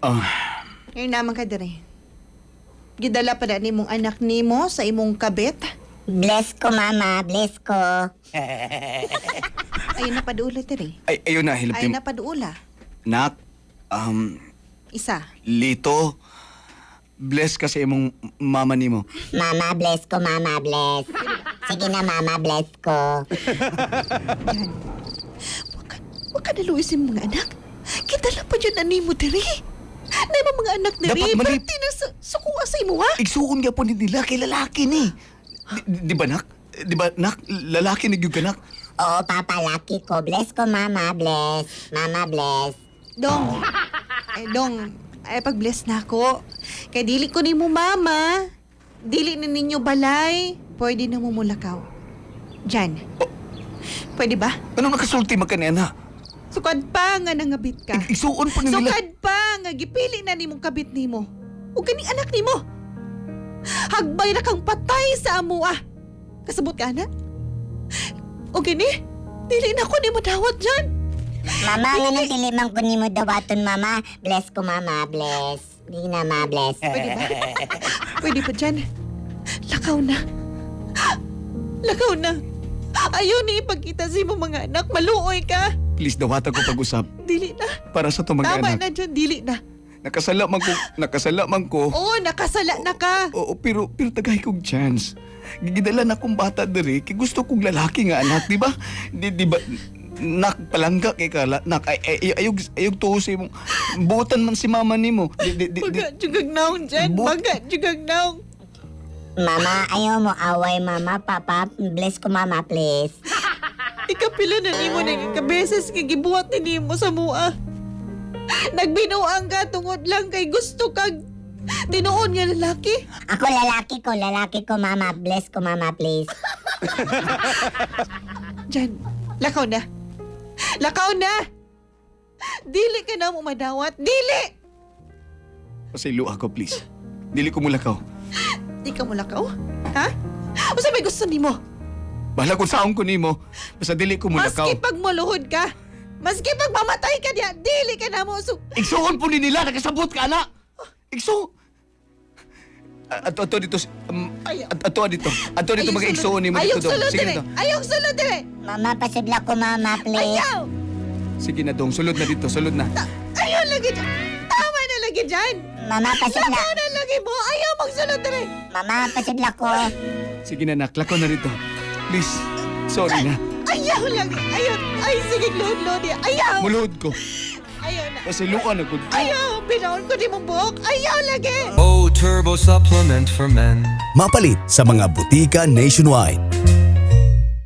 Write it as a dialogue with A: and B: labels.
A: Ngayon naman ka dire. Gidala pa na nimong anak nimo sa imong kabit.
B: Bless ko, mama. Bless ko.
A: Ayun na paduula dire.
C: Ay, ayun na,
A: Ayun
C: hilapin.
A: na paduula.
C: Nak,
A: Isa.
C: Lito, bless ka sa imong mama nimo.
B: Mama, bless ko, mama. Bless. Sige na, mama. Bless ko.
A: Yan. Wag ka naluisin mga anak. Gidala pa dyan na nimo dire. Na imong mga anak dire.
C: Dapat mali-
A: Pati na sukuha sa imo ha.
C: Igsuon nga po ni nila kay lalaki ni. Di ba, nak? Di ba, nak? Lalaki ni Gyug ka, nak?
B: Oo, papa, lucky ko. Bless ko, mama. Bless. Mama, bless.
A: Dong. Dong. Ay, pag-bless na ako. Kaya dili ko ni mo, mama. Dili na ninyo balay. Pwede na mo mulakaw. Jan. Pwede ba?
C: Anong nakasulti man ka ni ana?
A: Sukad pa nga nangabit ka.
C: Igsuon po ni nila.
A: Sukad pa nga gipili na nimong kabit nimo. O ganing anak nimo. Hagbay na kang patay sa amo ah. Kasabot ka na? O gani? Dili na ko nimo dawat dyan.
B: Mama, nga nang dilimang ko ni mo dawaton, mama. Bless ko, mama. Bless. Hindi na, ma. Bless.
A: Pwede ba? Pwede pa dyan. Lakaw na. Lakaw na. Ayaw ni ipagkita sa mo mga anak. Maluoy ka.
C: Please, dawatan ko pag-usap.
A: Dili na.
C: Para sa itong mga
A: Tama
C: anak.
A: na dyan. Dili na.
C: Nakasala man ko.
A: Oo, nakasala na ka.
C: Oo, pero tagay kong chance. Gigidala na akong bata diri, kay gusto kong lalaki nga anak, di ba? Di ba? Nak, palangga kay kala. Nak, ayog tuho sa imong. Buutan man si mama nimo.
A: Baga, jugag naong dyan.
C: But-
A: Baga, jugag naong.
B: Mama, ayaw mo away, mama. Papa, bless ko, mama, please.
A: Ikapila na nimo na ikabeses kay gibuhat ni nimo sa mua. Nagbinuang ka tungod lang kay gusto kag tinuon nga lalaki.
B: Ako, lalaki ko, mama. Bless ko, mama, please.
A: Jan, lakaw na. Lakaw na! Dili ka na mo madawat. Dili!
C: Pasaylo ako, please. Dili ko mulakaw.
A: Di ka mo lakaw? Ha? O sa may gusto nimo?
C: Bahala kung saong ko nimo. Basta dili ko mulakaw.
A: Maski pag maluhod ka, maski pag mamatay ka diya, dili ka na mo.
C: Igsuon po ni nila, nakasabot ka, anak! Igsuon! Ato dito, ato dito
A: Ayong
C: mag-igsuon ni mo
A: Ayong
C: dito, dong.
A: sulod
C: Sige
A: dire.
C: na, dong.
A: Ayong sulod dire.
B: Mama, pasidla ko, mama, please.
A: Ayaw!
C: Sige na, dong. Sulod na dito, sulod na.
A: Ayaw lagi dyan. Tama na lagi dyan.
B: Mama, pasidla.
A: Tama na lagi mo. Ayaw magsulod dire.
B: Mama, pasidla ko.
C: Sige na, nak. Lako na rito. Please. Sorry na.
A: Ayaw lagi. Ayaw. Ay, sige, load niya. Ayaw.
C: Muluhod ko.
A: Ayaw na.
C: Pasiluan ako.
A: Ayaw. Binaon ko di mong buhok. Ayaw lagi.
D: Oh, turbo supplement for men.
E: Mapalit sa mga butika nationwide.